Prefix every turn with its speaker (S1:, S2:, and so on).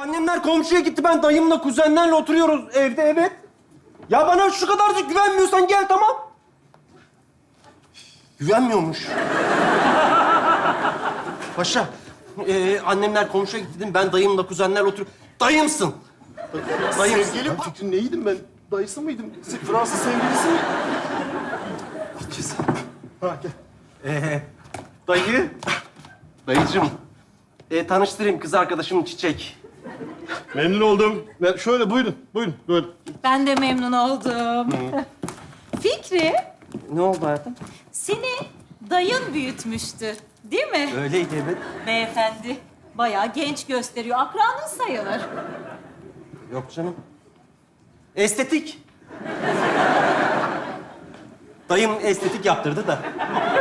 S1: Annemler komşuya gitti. Ben dayımla, kuzenlerle oturuyoruz evde, evet. Ya bana şu kadarcık güvenmiyorsan gel, tamam. Güvenmiyormuş. Paşa, annemler komşuya gitti dedim. Ben dayımla, kuzenlerle oturuyorum. Dayımsın. Dayımsın.
S2: Sevgilim. Ben fikrin neydim ben? Dayısı mıydım? Fransız sevgilisi mi? Gideceğiz. Ha gel.
S1: Dayı. Dayıcığım. Tanıştırayım, kız arkadaşım Çiçek.
S2: Memnun oldum. Şöyle buyurun, buyurun. Böyle.
S3: Ben de memnun oldum. Fikri,
S1: Ne oldu hayatım?
S3: seni dayın büyütmüştü, değil mi?
S1: Öyleydi, evet.
S3: Beyefendi, bayağı genç gösteriyor. Akranın sayılır.
S1: Yok canım. Estetik. Dayım estetik yaptırdı da.